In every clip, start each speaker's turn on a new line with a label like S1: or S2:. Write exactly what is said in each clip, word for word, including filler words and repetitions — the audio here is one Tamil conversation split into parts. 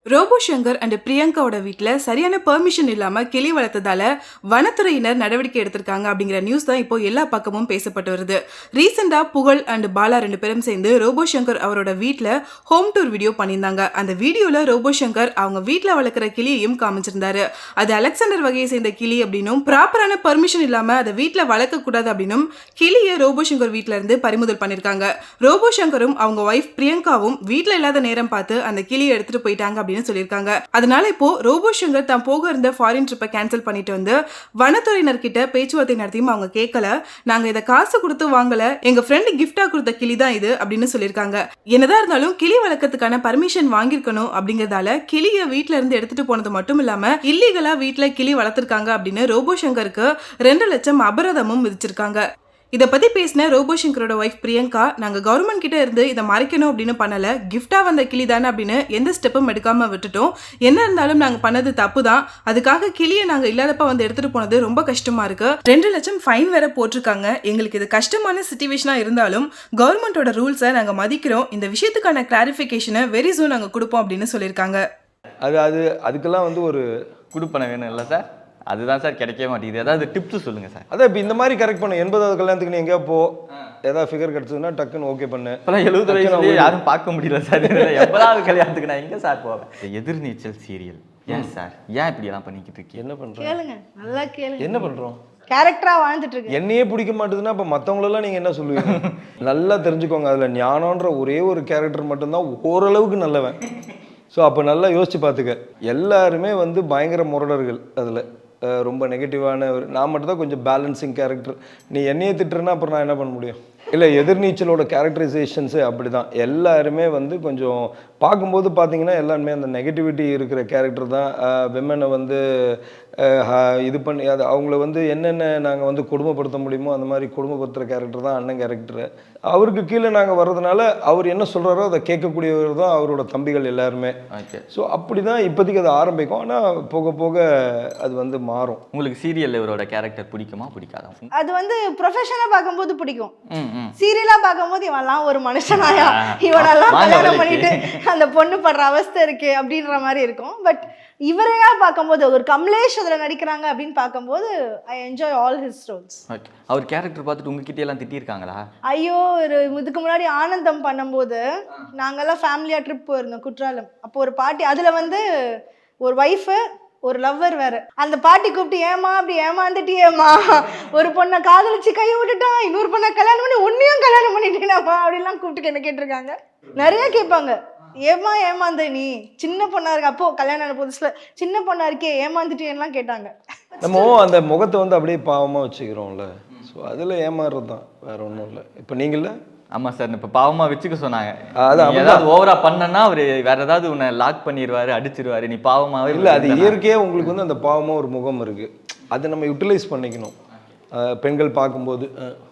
S1: ரோபோ சங்கர் அண்ட் பிரியங்காவோட வீட்டில் சரியான பெர்மிஷன் இல்லாமல் கிளி வளர்த்ததால வனத்துறையினர் நடவடிக்கை எடுத்திருக்காங்க அப்படிங்கிற நியூஸ் தான் இப்போ எல்லா பக்கமும் பேசப்பட்டு வருது. ரீசெண்டாக புகழ் அண்ட் பாலா ரெண்டு பேரும் சேர்ந்து ரோபோ சங்கர் அவரோட வீட்டில் ஹோம் டூர் வீடியோ பண்ணியிருந்தாங்க. அந்த வீடியோவில் ரோபோ சங்கர் அவங்க வீட்டில் வளர்க்குற கிளியையும் காமிச்சிருந்தாரு. அது அலெக்சாண்டர் வகையை சேர்ந்த கிளி அப்படின்னும் ப்ராப்பரான பெர்மிஷன் இல்லாமல் அதை வீட்டில் வளர்க்கக்கூடாது அப்படின்னும் கிளியை ரோபோ சங்கர் வீட்டில் இருந்து பறிமுதல் பண்ணியிருக்காங்க. ரோபோ சங்கரும் அவங்க ஒய்ஃப் பிரியங்காவும் வீட்டில் இல்லாத நேரம் பார்த்து அந்த கிளியை எடுத்துட்டு போயிட்டாங்க அப்படின்னு சொல்லியிருக்காங்க. அதனால இப்போ ரோபோ சங்கர் தான் போக இருந்த ஃபாரின் ட்ரிப்பை கேன்சல் பண்ணிட்டு வந்து வனத்துறையினர் கிட்ட பேச்சுவார்த்தை நடத்தியும் அவங்க கேட்கல. நாங்க இதை காசு கொடுத்து வாங்கல, எங்க ஃப்ரெண்ட் கிஃப்டா கொடுத்த கிளி தான் இது அப்படின்னு சொல்லியிருக்காங்க. என்னதான் இருந்தாலும் கிளி வளர்க்கறதுக்கான பர்மிஷன் வாங்கியிருக்கணும் அப்படிங்கறதால கிளியை வீட்டுல இருந்து எடுத்துட்டு போனது மட்டும் இல்லாம இல்லீகலா வீட்டுல கிளி வளர்த்திருக்காங்க அப்படின்னு ரோபோ சங்கருக்கு ரெண்டு லட்சம் அபராதமும் விதிச்சிருக்காங்க. இதை பத்தி பேசின ரோபோ சங்கரோட ஒய்ஃப் பிரியங்கா, நாங்க கவர்மெண்ட் கிட்ட இருந்து இதை மறைக்கணும் அப்படின்னு பண்ணல, கிஃப்டா வந்த கிளி தானே அப்படின்னு எந்த ஸ்டெப்பும் எடுக்காம விட்டுட்டோம். என்ன இருந்தாலும் நாங்க பண்ணது தப்பு தான். அதுக்காக கிளியை நாங்க இல்லாதப்ப வந்து எடுத்துட்டு போனது ரொம்ப கஷ்டமா இருக்கு. ரெண்டு லட்சம் ஃபைன் வேற போட்டிருக்காங்க. எங்களுக்கு இது கஷ்டமான சிச்சுவேஷனா இருந்தாலும் கவர்மெண்டோட ரூல்ஸை நாங்க மதிக்கிறோம். இந்த விஷயத்துக்கான கிளாரிபிகேஷனை வெரி சூன் நாங்க கொடுப்போம் அப்படின்னு சொல்லியிருக்காங்க.
S2: அது அது அதுக்கெல்லாம் வந்து ஒரு
S3: கொடுப்பன வேணும் இல்லை சார்? அதுதான் சார் கிடைக்கவே மாட்டேங்குது. ஏதாவது டிப்ஸ் சொல்லுங்கள் சார்.
S2: அதான் இப்போ இந்த மாதிரி கரெக்ட் பண்ணு. எண்பதாவது கல்யாணத்துக்கு நீ எங்கேயா போ, ஏதாவது ஃபிகர் கிடச்சதுன்னா டக்குன்னு ஓகே பண்ணு.
S3: இப்போலாம் எழுபது வயசுலேயே யாரும் பார்க்க முடியல சார். எண்பதாவது கல்யாணத்துக்கு நான் எங்கே சார் போவேன்? எதிர்நீச்சல் சீரியல் ஏன் சார் ஏன் இப்படி எல்லாம் பண்ணிக்கிட்டு இருக்கீங்க?
S2: என்ன பண்ணுறோம்?
S4: கேளுங்க, நல்லா கேளுங்க.
S2: என்ன பண்ணுறோம்?
S4: கேரக்டரா வாழ்ந்துட்டு இருக்கு.
S2: என்னையே பிடிக்க மாட்டேதுன்னா அப்போ மற்றவங்களெல்லாம் நீங்கள் என்ன சொல்லுவீங்க? நல்லா தெரிஞ்சுக்கோங்க, அதில் ஞானன்ற ஒரே ஒரு கேரக்டர் மட்டும்தான் ஓரளவுக்கு நல்லவன். ஸோ அப்போ நல்லா யோசிச்சு பார்த்துக்க. எல்லாருமே வந்து பயங்கர முரடர்கள். அதில் ரொம்ப நெகட்டிவான ஒரு நான் மட்டும் தான் கொஞ்சம் பேலன்சிங் கேரக்டர். நீ என்னையே திட்டுறேன்னா அப்புறம் நான் என்ன பண்ண முடியும்? இல்லை, எதிர்நீச்சலோட கேரக்டரைசேஷன்ஸு அப்படி தான். எல்லாருமே வந்து கொஞ்சம் பார்க்கும்போது பார்த்தீங்கன்னா எல்லாருமே அந்த நெகட்டிவிட்டி இருக்கிற கேரக்டர் தான். விமனை வந்து இது பண்ணி அது அவங்கள வந்து என்னென்ன நாங்கள் வந்து கொடுமைப்படுத்த முடியுமோ அந்த மாதிரி கொடுமைப்படுத்துகிற கேரக்டர் தான் அண்ணன் கேரக்டரு. அவருக்கு கீழே நாங்கள் வர்றதுனால அவர் என்ன சொல்கிறாரோ அதை கேட்கக்கூடியவர் தான் அவரோட தம்பிகள் எல்லாருமே. ஸோ அப்படி தான் இப்போதைக்கு அது ஆரம்பிக்கும். ஆனால் போக போக அது வந்து மாறும்.
S3: உங்களுக்கு சீரியல் இவரோட கேரக்டர் பிடிக்குமா பிடிக்காதா?
S4: அது வந்து ப்ரொஃபஷனாக பார்க்கும்போது பிடிக்கும். சீரியலா பார்க்கும்போது இவெல்லாம் ஒரு மனுஷனாயா, இவனெல்லாம் கல்யாணம் பண்ணிட்டு அந்த பொண்ணு படுற அவஸ்தை இருக்கு அப்படின்ற மாதிரி இருக்கும். பட் இவரையா பார்க்கும்போது ஒரு கமலேஷ் அதில் நடிக்கிறாங்க அப்படின்னு பார்க்கும்போது I enjoy all his roles.
S3: அவர் கேரக்டர் பார்த்துட்டு உங்ககிட்ட எல்லாம் திட்டிருக்காங்களா?
S4: ஐயோ, ஒரு இதுக்கு முன்னாடி ஆனந்தம் பண்ணும்போது நாங்கெல்லாம் ஃபேமிலியாக ட்ரிப் போயிருந்தோம் குற்றாலம். அப்போ ஒரு பாட்டி, அதில் வந்து ஒரு ஒய்ஃபு ஒரு லவ்வர் வேற. அந்த பாட்டி கூப்பிட்டு ஏமா அப்படி ஏமாந்துட்டியேம்மா, ஒரு பொண்ணை காதலிச்சு கையை விட்டுட்டான், இன்னொரு பொண்ணை கல்யாணம் பண்ணி உன்னையும் கல்யாணம் பண்ணிட்டேனாமா அப்படிலாம் கூப்பிட்டு என்ன கேட்டிருக்காங்க. நிறைய கேட்பாங்க, ஏமா ஏமாந்த நீ சின்ன பொண்ணா இருக்கு, அப்போ கல்யாணம் புதுசுல சின்ன பொண்ணா இருக்கே ஏமாந்துட்டேன்லாம் கேட்டாங்க. நம்ம
S2: அந்த முகத்தை வந்து அப்படியே பாவமா வச்சுக்கிறோம்ல. ஸோ அதில் ஏமாறுறது தான், வேற ஒன்றும் இல்லை. இப்போ நீங்கள
S3: ஆமாம் சார், இப்போ பாவமாக வச்சுக்க சொன்னாங்க. ஏதாவது ஓவரா பண்ணனா அவர் வேற ஏதாவது உன்னை லாக் பண்ணிடுவாரு, அடிச்சிருவாரு, நீ பாவமாகவே
S2: இல்லை. அது இயற்கையாக உங்களுக்கு வந்து அந்த பாவமாக ஒரு முகம் இருக்குது. அதை நம்ம யூட்டிலைஸ் பண்ணிக்கணும் பெண்கள் பார்க்கும்போது.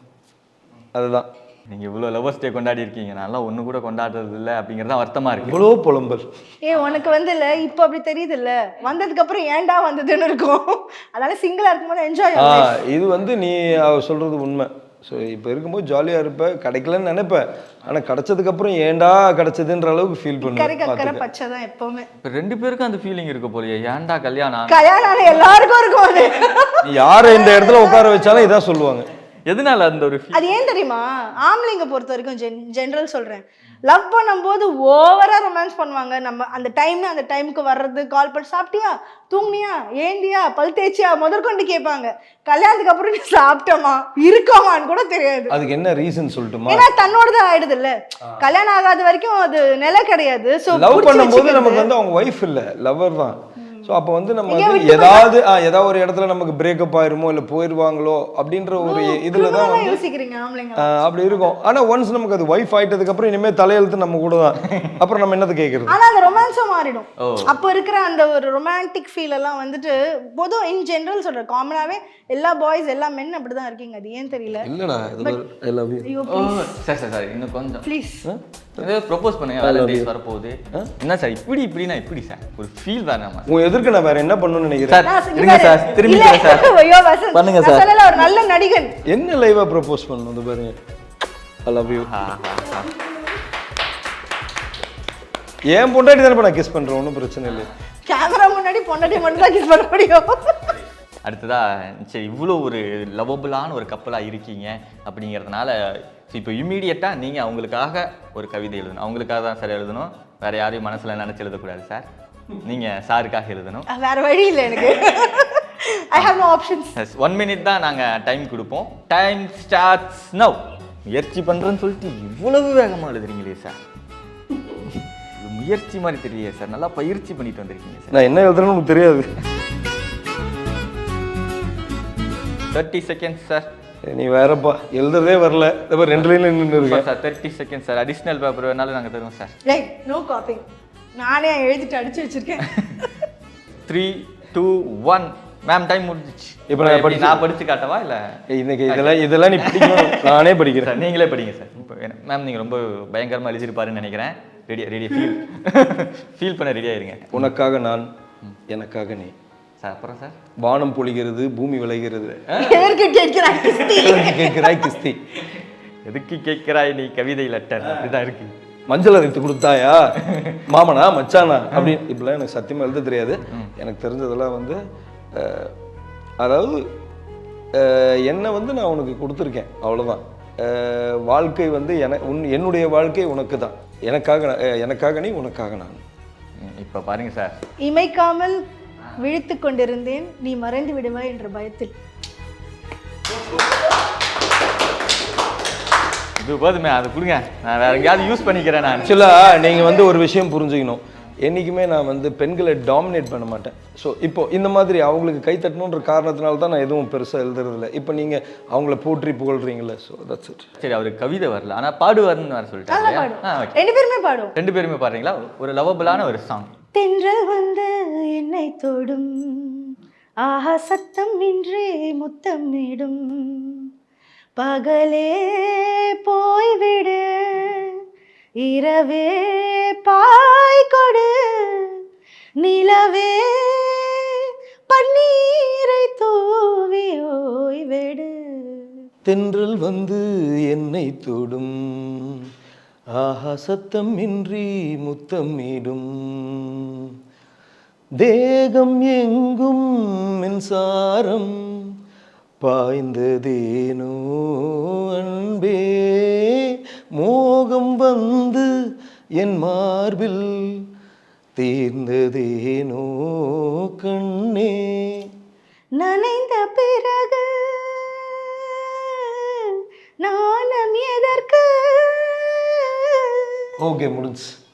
S2: அதுதான்.
S3: நீங்கள் இவ்வளோ லவ்வர்ஸ் டே கொண்டாடி இருக்கீங்க, நல்லா ஒன்று கூட கொண்டாடுறது இல்லை அப்படிங்கிறதா வருத்தமாக இருக்குது.
S2: இவ்வளோ புலம்பல்.
S4: ஏ உனக்கு வந்து இல்லை, இப்போ அப்படி தெரியுது இல்லை, வந்ததுக்கு அப்புறம் ஏன்டா வந்ததுன்னு இருக்கும். அதனால சிங்கிளாக இருக்கும்போது என்ஜாய்.
S2: இது வந்து நீ சொல்கிறது உண்மை. ஸோ இப்போ இருக்கும்போது ஜாலியாக இருப்பேன், கிடைக்கலன்னு நினைப்பேன். ஆனால் கிடைச்சதுக்கப்புறம் ஏன்டா கிடைச்சதுன்ற அளவுக்கு ஃபீல் பண்ணுவேன்.
S4: பச்சை தான் எப்பவுமே.
S3: இப்போ ரெண்டு பேருக்கும் அந்த ஃபீலிங் இருக்க போலியே, ஏன்டா கல்யாணம்
S4: கல்யாணம் எல்லாருக்கும் இருக்கும். அது
S2: நீ யாரை இந்த இடத்துல உட்கார வச்சாலும் இதான் சொல்லுவாங்க.
S3: எதனால அந்த ஒரு
S4: அது ஏன் தெரியுமா? ஆம்பளைங்க பொறுத்த வரைக்கும் ஜென் ஜென்ரல் சொல்கிறேன், லவ் பண்ணும்போது ஓவராக ரொமான்ஸ் பண்ணுவாங்க. நம்ம அந்த டைம் அந்த டைமுக்கு வர்றது, கால் பண்ணி சாப்பிட்டியா, தூங்குனியா, ஏந்தியா, பல் தேய்ச்சியா முதற்கொண்டு கேட்பாங்க. கல்யாணத்துக்கு அப்புறம் நீ சாப்பிட்டோமா இருக்கோமான்னு கூட தெரியாது.
S2: அதுக்கு என்ன ரீசன் சொல்லட்டுமா?
S4: ஏன்னா தன்னோடதான் ஆயிடுது இல்ல. கல்யாணம் ஆகாத வரைக்கும் அது நிலை கிடையாது. ஸோ
S2: லவ் பண்ணும்போது நமக்கு வந்து அவங்க ஒய்ஃப் இல்லை, லவர் தான். ஸோ அப்போ வந்து நம்ம வந்து ஏதாவது ஏதாவது ஒரு இடத்துல நமக்கு பிரேக்கப் ஆயிருமோ இல்லை போயிடுவாங்களோ அப்படின்ற ஒரு இதில் தான் வந்து
S4: யோசிக்கிறீங்க ஆம்பளைங்க.
S2: அப்படி இருக்கும். ஆனால் ஒன்ஸ் நமக்கு அது ஒய்ஃப் ஆயிட்டதுக்கு அப்புறம் இனிமேல் தலையெழுத்து நம்ம கூட தான். அப்புறம் நம்ம என்னத்தை கேட்கறது?
S4: ஆனால் அந்த ரொமான்ஸும் மாறிடும். அப்போ இருக்கிற அந்த ஒரு ரொமான்டிக் ஃபீல் எல்லாம் வந்துட்டு பொதுவாக இன் ஜென்ரல் சொல்கிறேன், காமனாகவே எல்லா பாய்ஸ் எல்லா மென் அப்படி தான் இருக்கீங்க. அது ஏன் தெரியல.
S2: இல்லைடா, I love you.
S3: Sir sir sir இன்னும் கொஞ்சம்
S4: ப்ளீஸ்
S3: ப்ரொபோஸ் பண்ணுங்க. வேலண்டைன்ஸ் வரப்போகுது. என்ன சார் இப்படி இப்படின்னா இப்படி சார் ஒரு ஃபீல் வேணாமா?
S2: உங்க எதிர்க்க நான் வேற என்ன பண்ணணும்னு நினைக்கிறேன்.
S3: இருங்க சார், திரும்பி சார் பண்ணுங்க சார்.
S4: சொல்லல, ஒரு நல்ல நடிகன்.
S2: என்ன லைவா ப்ரொபோஸ் பண்ணணும் அது பாருங்க. I love you. ஏன் பொண்டாட்டி தானே நான் கிஸ் பண்றேன், ஒன்றும் பிரச்சனை இல்லை.
S4: கேமரா முன்னாடி பொண்டாட்டி மட்டும் தான் கிஸ் பண்ண முடியும்.
S3: அடுத்ததா சரி இவ்வளோ ஒரு லவபுளான ஒரு கப்பலாக இருக்கீங்க அப்படிங்கிறதுனால இப்போ இம்மீடியட்டாக நீங்கள் அவங்களுக்காக ஒரு கவிதை எழுதணும். அவங்களுக்காக தான் சார் எழுதணும், வேற யாரையும் மனசில் நினச்சி எழுதக்கூடாது சார். நீங்கள் சாருக்காக எழுதணும்.
S4: வேற வழி இல்லை எனக்கு. I have no options.
S3: One minute தான் நாங்கள் டைம் கொடுப்போம். Time starts now. முயற்சி பண்ணுறேன்னு சொல்லிட்டு இவ்வளவு வேகமாக எழுதுறீங்களே சார், இது முயற்சி மாதிரி தெரியலையே சார், நல்லா பயிற்சி பண்ணிட்டு வந்திருக்கீங்க சார்.
S2: நான் என்ன எழுதுறேன்னு உங்களுக்கு தெரியாது.
S3: Thirty seconds sir.
S2: நீ வேறப்பா, எழுதுறதே வரல, இப்போ ரெண்டு லைன்ல நின்று இருக்கேன்
S3: sir. Thirty seconds sir. Additional paper வேணாலும் நாங்கள் தருவோம் சார்.
S4: Right, no copying. நானே எழுதிட்டு அடிச்சு வச்சிருக்கேன்.
S3: Three two one. Ma'am time முடிஞ்சிச்சு.
S2: இப்போ நான் படிச்சு
S3: நான் படிச்சு காட்டவா இல்லை
S2: இன்னைக்கு இதெல்லாம் இதெல்லாம் நீ படிக்கணும், நானே படிக்கிறேன்.
S3: சார் நீங்களே படிங்க சார். இப்போ மேம் நீங்கள் ரொம்ப பயங்கரமாக எழுதிருப்பாருன்னு நினைக்கிறேன். ரெடியா ரெடியா ஃபீல் ஃபீல் பண்ண ரெடியாக இருங்க.
S2: உனக்காக நான், எனக்காக நீ.
S3: சார் அப்புறம் சார்.
S2: வானம் பொழிகிறது, பூமி விளைகிறது,
S4: எதற்கு கேட்கிறாய் கிஸ்தி?
S2: கேட்கிறாய் கிஸ்தி.
S3: எதுக்கு கேட்கிறாய் நீ கவிதை லெட்டர் இதுதான் இருக்கு.
S2: மஞ்சள் அரைத்து கொடுத்தாயா மாமனா மச்சானா அப்படி இப்படிலாம் எனக்கு சத்தியமா எழுத தெரியாது. எனக்கு தெரிஞ்சதெல்லாம் வந்து அஹ், அதாவது அஹ், என்னை வந்து நான் உனக்கு கொடுத்துருக்கேன், அவ்வளோதான். அஹ், வாழ்க்கை வந்து என உன் என்னுடைய வாழ்க்கை உனக்கு தான். எனக்காக நான், அஹ், எனக்காக நீ, உனக்காக நான்.
S3: இப்போ பாருங்க சார்.
S4: இமைக்காமல் விழித்து கொண்டிருந்தேன், நீ மறைந்து விடுவாய் என்ற பயத்தில்.
S3: இது போதுமே, அது கொடுங்க, நான் வேற எங்கேயாவது யூஸ் பண்ணிக்கிறேன். நான்
S2: ஆக்சுவலாக நீங்கள் வந்து ஒரு விஷயம் புரிஞ்சுக்கணும். என்றைக்குமே நான் வந்து பெண்களை டாமினேட் பண்ண மாட்டேன். ஸோ இப்போ இந்த மாதிரி அவங்களுக்கு கை தட்டணுன்ற காரணத்தினால தான் நான் எதுவும் பெருசாக எழுதுறதில்ல. இப்போ நீங்கள் அவங்கள போற்றி புகழ்றீங்களே, ஸோ தட்ஸ் இட்.
S3: சரி, அவருக்கு கவிதை வரல, ஆனால் பாடுவார்னு வேற
S4: நல்லா
S3: சொல்லிட்டாங்க.
S4: பாடும்.
S3: ஆ, ஓகே.
S4: ரெண்டு பேருமே பாடும்.
S3: ரெண்டு பேருமே பாடுறீங்களா? ஒரு லவபிளான ஒரு சாங்.
S4: தென்றல் வந்து என்னை தொடும், ஆஹா சத்தம் நின்றே முத்தம் இடும், பகலே போய்விடு, இரவே பாய் கொடு, நிலவே பன்னீரை தூவி ஓய்வெடு.
S2: தென்றல் வந்து என்னை தொடும், ஆஹா சத்தம் இன்றி முத்தமிடும், தேகம் எங்கும் மின்சாரம் பாய்ந்ததேனோ அன்பே, மோகம் வந்து என் மார்பில் தீர்ந்ததேனோ கண்ணே.
S4: நனைந்த பிறகு நாணம் எதற்கு?
S2: ஓகே, முடிஞ்சு.